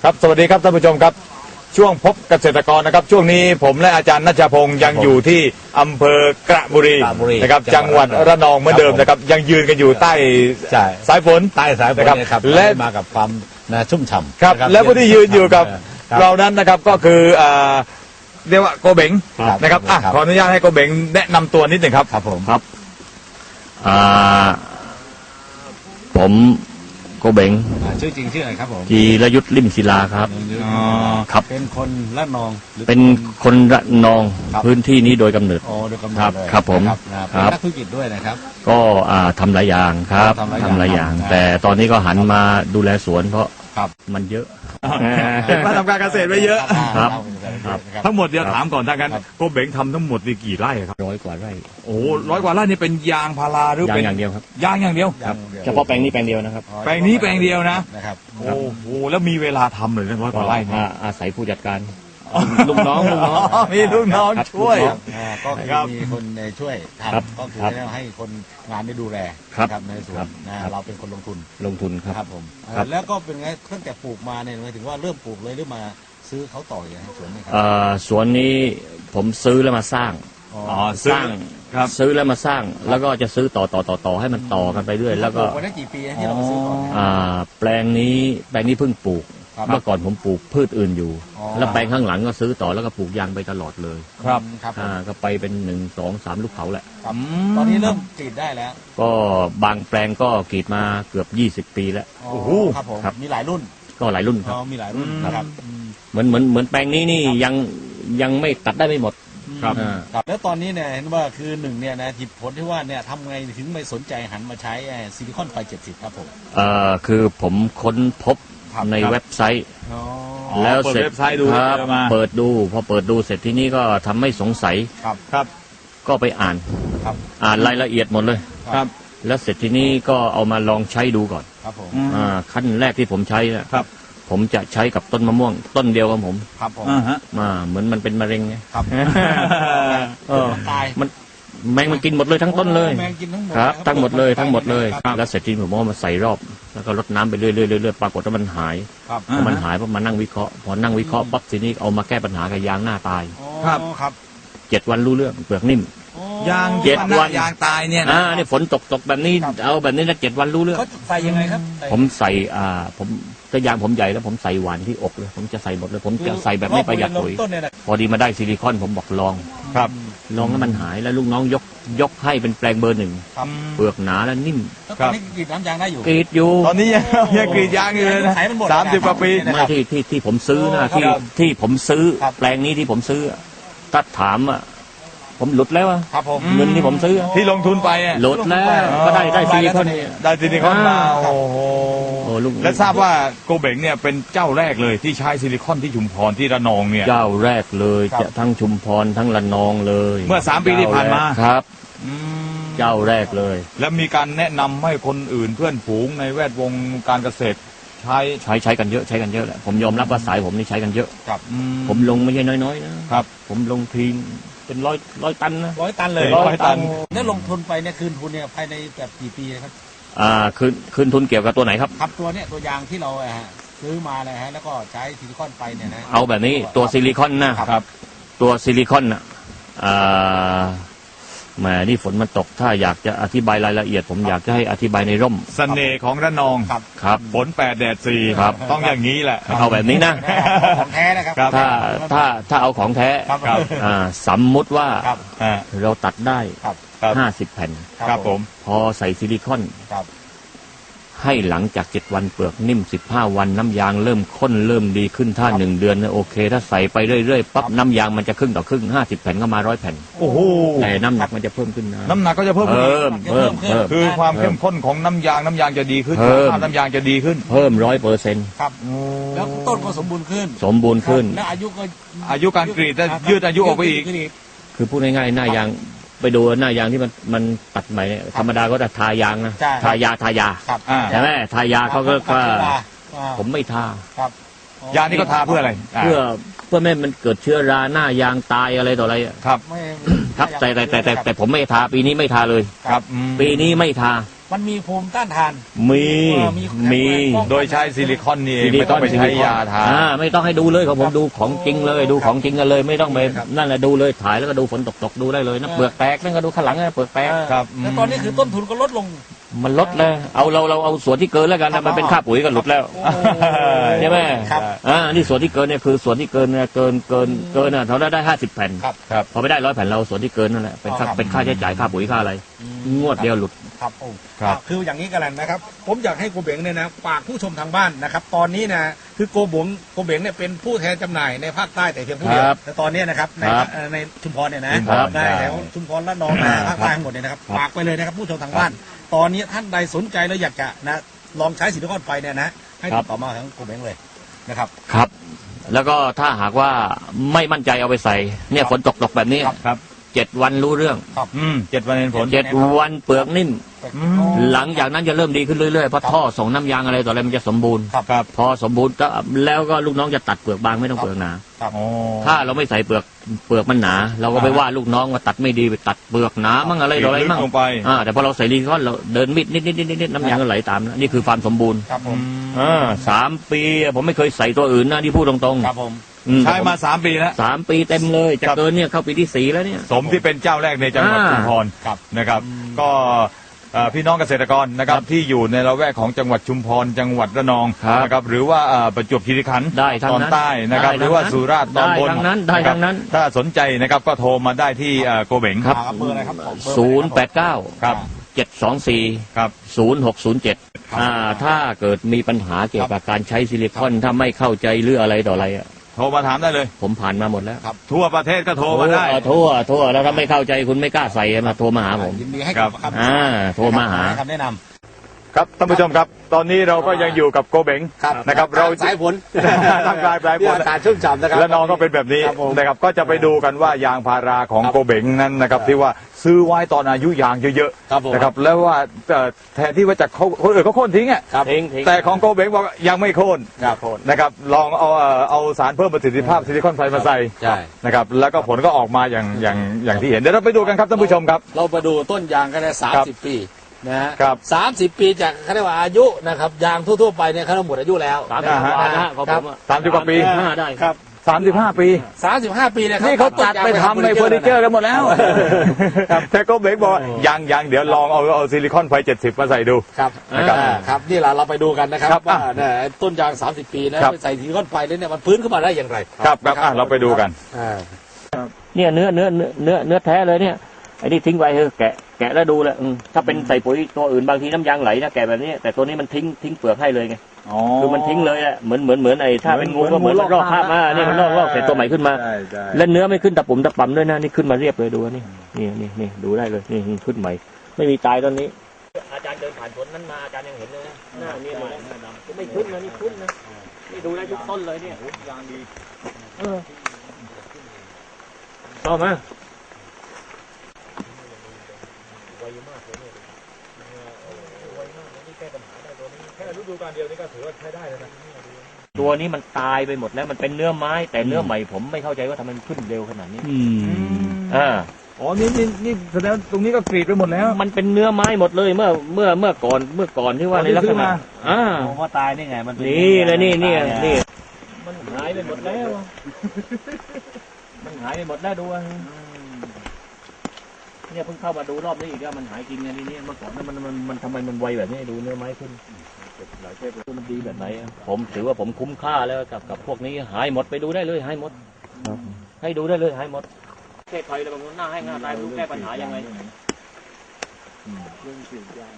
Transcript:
ครับสวัสดีครับท่านผู้ชมครับช่วงพบเกษตรกรนะครับช่วงนี้ผมและอาจารย์ณัชพงศ์ยังอยู่ที่อำเภอกระบุรีนะครับจังหวัดระนองเหมือนเดิมนะครับยังยืนกันอยู่ใต้สายฝนใต้สายฝนนะครับและมากับความชุ่มฉ่ำครับและผู้ที่ยืนอยู่กับเรานั้นนะครับก็คือเรียกว่าโกเบงนะครับขออนุญาตให้โกเบงแนะนำตัวนิดหนึ่งครับครับผมครับผมโกเบงชื่อจริงชื่ออะไรครับผมจีรยุทธลิ่มศิลาครับครับเป็นคนละนองเป็นคนระนองพื้นที่นี้โดยกำเนิดโดยกำเนิดครับผมเป็นนักธุรกิจด้วยนะครับก็ทำหลายอย่างครับทำหลายอย่างแต่ตอนนี้ก็หันมาดูแลสวนเพราะมันเยอะมาทำการเกษตรไปเยอะครับทั้งหมดเดี๋ยวถามก่อนถ้างั้นโกเบงทำทั้งหมดนี่กี่ไร่ครับ 100 กว่าไร่โอ้100 กว่าไร่นี่เป็นยางพาราหรือเป็นอย่างเดียวครับยางอย่างเดียวเฉพาะแปลงนี้แปลงเดียวนะครับแปลงนี้แปลงเดียวนะครับโอ้โหแล้วมีเวลาทำเลย100 กว่าไร่อาศัยผู้จัดการลูกน้องมีลูกน้องช่วยก็มีคนช่วยทำก็คือให้คนงานได้ดูแลในสวนเราเป็นคนลงทุนครับผมแล้วก็เป็นไงตั้งแต่ปลูกมาเนี่ยหมายถึงว่าเริ่มปลูกเลยหรือมาซื้อเขาต่ออย่างสวนนี้ครับสวนนี้ผมซื้อแล้วมาสร้างสร้างซื้อแล้วมาสร้างแล้วก็จะซื้อต่อให้มันต่อกันไปเรื่อยแล้วก็วันนั้นกี่ปีที่เราซื้อก่อนแปลงนี้เพิ่งปลูกเมื่อก่อนผมปลูกพืชอื่นอยู่แล้วแปลงข้างหลังก็ซื้อต่อแล้วก็ปลูกยางไปตลอดเลยครับก็ไปเป็น1 2 3ลูกเขาแหละตอนนี้เริ่มกรีดได้แล้วก็บางแปลงก็กรีดมาเกือบ20 ปีแล้วโอ้โหครับผมมีหลายรุ่นก็หลายรุ่นครับมีหลายรุ่นครับเหมือนแปลงนี้นี่ยังไม่ตัดได้ไม่หมดครับแล้วตอนนี้เนี่ยเห็นว่าคือหนึ่งเนี่ยนะผลที่ว่าเนี่ยทำไงถึงไม่สนใจหันมาใช้ซิลิคอนไฟ70ครับผมคือผมค้นพบในเว็บไซต์แล้วเสร็จครับเปิดดูพอเปิดดูเสร็จที่นี่ก็ทำให้สงสัยครับก็ไปอ่านรายละเอียดหมดเลยครับแล้วเสร็จที่นี่ก็เอามาลองใช้ดูก่อนครับผมขั้นแรกที่ผมใช้นะครับผมจะใช้กับต้นมะม่วงต้นเดียวกับผมครับผมเหมือนมันเป็นมะเร็งไงครับตายแมงมันกินหมดเลยทั้งต้นเลยแมงกินทั้งหมดครับทั้งหมดเลยแล้วเสร็จที่ผมเอามาใส่รอบแล้วก็รดน้ำไปเรื่อยๆปรากฏว่ามันหายพอมันหายพอมานั่งวิเคราะห์พอนั่งวิเคราะห์ปั๊บทีนี้เอามาแก้ปัญหากับยางหน้าตายครับ 7 วันรู้เรื่องเปลือกนิ่มยาง 7 วันยางตายเนี่ยนี่ฝนตกแบบนี้เอาแบบนี้นะ7 วันรู้เรื่องเขาใส่ยังไงครับผมใส่ผมถ้ายางผมใหญ่แล้วผมใส่หวานที่อกเลยผมจะใส่หมดเลยผมจะใส่แบบไม่ประหยัดปุ๋ยพอดีมาได้ซิลิคอนผมบอกลองแล้วมันหายแล้วลูกน้องยกให้เป็นแปลงเบอร์ 1เปลือกหนาและนิ่มตอนนี้กรีดน้ำยางได้อยู่กรีดอยู่ตอนนี้ยังกรีดยางอยู่เลยนะ30 กว่าปีไม่ที่ผมซื้อนะที่ผมซื้อแปลงนี้ที่ผมซื้อถ้าถามผมหลุดแล้วครับผมเงินที่ผมซื้อที่ลงทุนไปหลุดแล้วก็ได้ซิลิคอนมาโอ้โหและทราบว่าโกเบงเนี่ยเป็นเจ้าแรกเลยที่ใช้ซิลิคอนที่ชุมพรที่ระนองเนี่ยเจ้าแรกเลยจะทั้งชุมพรทั้งระนองเลยเมื่อ3 ปีที่ผ่านมาครับเจ้าแรกเลยแล้วมีการแนะนำให้คนอื่นเพื่อนฝูงในแวดวงการเกษตรใช้กันเยอะแหละผมยอมรับว่าสายผมนี่ใช้กันเยอะผมลงไม่ใช่น้อยๆนะครับผมลงทีเป็นร้อยตันนะ 100 ตันเลย100 ตันแล้วลงทุนไปเนี่ยคืนทุนเนี่ยภายในแบบกี่ปีครับคืนทุนเกี่ยวกับตัวไหนครับครับตัวเนี่ยตัวยางที่เราซื้อมาเลยฮะแล้วก็ใช้ซิลิคอนไปเนี่ยนะเอาแบบนี้ตัวซิลิคอนนะครับตัวซิลิคอนแหมนี่ฝนมันตกถ้าอยากจะอธิบายรายละเอียดผมอยากจะให้อธิบายในร่มเสน่ห์ของระนองครับฝน8 แดด 4ครับต้องอย่างนี้แหละเอาแบบนี้นะของแท้นะครับถ้าเอาของแท้สมมุติว่าเราตัดได้50 แผ่นครับผมพอใส่ซิลิคอนให้หลังจาก7 วันเปลือกนิ่ม15 วันน้ำยางเริ่มข้นเริ่มดีขึ้นถ้า1 เดือนโอเคถ้าใส่ไปเรื่อยๆปั๊บน้ำยางมันจะครึ่งต่อครึ่ง50 แผ่นก็มา100 แผ่นโอ้โหแต่น้ำหนักมันจะเพิ่มขึ้นนะน้ำหนักก็จะเพิ่มคือความเข้มข้นของน้ำยางจะดีขึ้นน้ำยางจะดีขึ้นเพิ่ม100% ครับแล้วต้นก็สมบูรณ์ขึ้นและอายุการกรีดจะยืดอายุออกไปอีกคือพูดง่ายๆหน้ายางไปดูหน้ายางที่มันตัดใหม่ธรรมดาก็จะทายางนะทายาใช่ไหมทายาเขาก็ผมไม่ทายานี่ก็ทาเพื่ออะไรเพื่อไม่มันเกิดเชื้อราหน้ายางตายอะไรต่ออะไรครับแต่ผมไม่ทาปีนี้ไม่ทาเลยครับปีนี้ไม่ทามันมีภูมิต้านทานมีมีโดยใช้ซิลิคอนนี่เองไม่ต้องไปใช้ยาทาไม่ต้องให้ดูเลยของผมดูของจริงเลยดูของจริงกันเลย ไม่ต้องไปนั่นแหละดูเลยถ่ายแล้วก็ดูฝนตกดูได้เลยนะเปลือกแตกนั่นก็ดูข้างหลังนะเปลือกแตกครับแล้วตอนนี้คือต้นทุนก็ลดลงมันลดเลยเอาเราเอาส่วนที่เกินแล้วกันนะมันเป็นค่าปุ๋ยก็หลุดแล้วใช่ไหมครับนี่ส่วนที่เกินเนี่ยคือส่วนที่เกินเนี่ยเกินน่ะเราได้50 แผ่นครับครับพอไม่ได้100 แผ่นเราส่วนที่เกินนั่นแหละเป็นค่าใช้จ่ายค่าปุ๋ยค่าอะไรงวดเดียวหลุดครับโอ้ครับคืออย่างนี้กันแหละนะครับ ผมอยากให้โกเบงเนี่ยนะฝากผู้ชมทางบ้านนะครับ ตอนนี้นะคือโกเบงเนี่ยเป็นผู้แทนจำหน่ายในภาคใต้แต่เพียงผู้เดียวครับแต่ตอนนี้นะครับในครับในชุมพรเนี่ยนะชุมพรในแถวชุมพรและนองนะภาคใต้ทั้งหมดเนี่ยนะครับฝากไปเลยนะครับผู้ชมทางบ้าน ตอนนี้ท่านใดสนใจแล้วอยากจะนะลองใช้ซิลิคอนไฟเนี่ยนะให้ติดต่อมาทางโกเบงเลยนะครับครับ แล้วก็ถ้าหากว่าไม่มั่นใจเอาไปใส่เนี่ยฝนตกแบบนี้ครับ 7 วันรู้เรื่อง 7 วันเห็นผล 7 วันเปลือกนิ่มอืมหลังจากนั้นจะเริ่มดีขึ้นเรื่อยๆเพราะท่อส่งน้ำยางอะไรต่ออะไรมันจะสมบูรณ์ครับพอสมบูรณ์ก็แล้วก็ลูกน้องจะตัดเปลือกบางไม่ต้องเปลือกหนาอ๋อถ้าเราไม่ใส่เปลือกมันหนา เราก็ไปว่าลูกน้องว่าตัดไม่ดีไปตัดเปลือกหนามั่งอะไรต่ออะไรมั่งลึกลงไปแต่พอเราใส่ซิลิคอนเราเดินมิดนิดน้ำยางก็ไหลตามนะนี่คือความสมบูรณ์ครับผม 3 ปีผมไม่เคยใส่ตัวอื่นนะที่พูดตรงครับผมๆใช้มา3 ปีแล้ว 3 ปีเต็มเลยจะครับเกินเนี่ยเข้าปีที่ 4 แล้วเนี่ยสมที่เป็นเจ้าแรกในจังหวัดชุมพรครับนะครับ ก็พี่น้องเกษตรกรนะครับที่อยู่ในละแวกของจังหวัดชุมพรจังหวัดระนองครับนะครับหรือว่าประจวบคีรีขันธ์ได้ทั้งตอนนั้นใต้นะครับได้หรือว่าทั้งนั้นสุราษฎร์ตอนบนได้ทั้งนั้นได้ะครับทั้งนั้นถ้าสนใจนะครับก็โทรมาได้ที่โกเบงครับเบอร์อะไรครับผม 089 ครับ 724 ครับ 0607ถ้าเกิดมีปัญหาเกี่ยวกับการใช้ซิลิคอนถ้าไม่เข้าใจหรืออะไรต่ออะไรอะโทรมาถามได้เลยผมผ่านมาหมดแล้วทั่วประเทศก็โทรมาได้ทั่วแล้วถ้าไม่เข้าใจคุณไม่กล้าใส่มาโทรมาหาผมยินดีให้ครับคำโทรมาหาคำแนะนำครับท่านผู้ชมครับ ตอนนี้เราก็ยังอยู่กับโกเบงนะครับเราสายฝนทางกลางสายฝนอากาศชุ่มฉ่ำนะครับและน้องก็เป็นแบบนี้ครับผมนะครับก็จะไปดูกันว่ายางพาราของครับโกเบงนั้นนะครับที่ว่าซื้อไว้ตอนอายุยางเยอะครับผมๆนะครับแล้วว่าแทนที่ว่าจะคนอื่นเขาโค่นทิ้งอ่ะครับทิ้งแต่ของโกเบงบอกยังไม่โค่นครับนะครับลองเอาสารเพิ่มประสิทธิภาพซิลิคอนไฟมาใส่ใช่นะครับแล้วก็ผลก็ออกมาอย่างที่เห็นเดี๋ยวเราไปดูกันครับท่านผู้ชมครับเราไปดูต้นยางกันได้ครับ 30 ปีนะฮะครับ 30 ปีจากเขาเรียกว่าอายุนะครับยางทั่วๆไปเนี่ยเขาหมดอายุแล้ว 30 อ่าฮะกว่านะของผมอะ 30 กว่าปี 35ได้ครับ 35 ปี 35 ปีเนี่ยนี่เขาจัดไปทำในเฟอร์นิเจอร์กันหมดแล้วแต่โกเบงบอกว่ายังเดี๋ยวลองเอาซิลิคอนไฟ70มาใส่ดูครับนะครับครับนี่แหละเราไปดูกันนะครับครับว่าเนี่ยต้นยาง 30 ปีนะครับ ไปใส่ซิลิคอนไฟแล้วเนี่ยมันฟื้นขึ้นมาได้อย่างไรครับเราไปดูกันอ่าเนี่ยเนื้อแท้เลยเนี่ยไอ้นี่ทิ้งไว้เถอะแกะแล้วดูแหละถ้าเป็นใส่ปุ๋ยตัวอื่นบางทีน้ำยางไหลนะแกะแบบนี้แต่ตัวนี้มันทิ้งเปลือกให้เลยไงคือมันทิ้งเลยอะเหมือนไอ้ถ้าเป็นงูก็เหมือนลอกคราบมาเนี่ยมันลอกเสร็จตัวใหม่ขึ้นมาใช่และเนื้อไม่ขึ้นตะปุ่มตะป่ำด้วยนะนี่ขึ้นมาเรียบเลยดูนี่นี่ดูได้เลยนี่ขึ้นใหม่ ไม่มีตายตอนนี้ อาจารย์เดินผ่านสวนนั้นมาอาจารย์ยังเห็นเลยนะหน้านี่เลยไม่ขึ้นนะนี่ขึ้นนะนี่ดูได้ทุกต้นเลยเนี่ยยางดีต่อมาตัวนี้มันตายไปหมดแล้วมันเป็นเนื้อไม้แต่เนื้อใหม่ผมไม่เข้าใจว่าทำไมมันขึ้นเร็วขนาดนี้อ๋อนี่แสดงตรงนี้ก็กรีดไปหมดแล้วมันเป็นเนื้อไม้หมดเลยเมื่อก่อนที่ว่าในลักษณะผมว่าตายนี่ไงมันเป็นนี่เลยนี่มันหายไปหมดแล้วมันหายไปหมดแล้วดูเนี่ยเพิ่งเข้ามาดูรอบนี้อีกแล้วมันหายจริงไงนี่เมื่อก่อนนั้นมันทำไมมันไวแบบนี้ดูเนื้อไม้ขึ้นหลายเทปมันดีแบบไหนผมถือว่าผมคุ้มค่าแล้วกับพวกนี้หายหมดไปดูได้เลยหายหมดให้ดูได้เลยหายหมดแก้ไขแล้วบางคนหน้าให้หน้าตายไม่รู้แก้ปัญหายังไง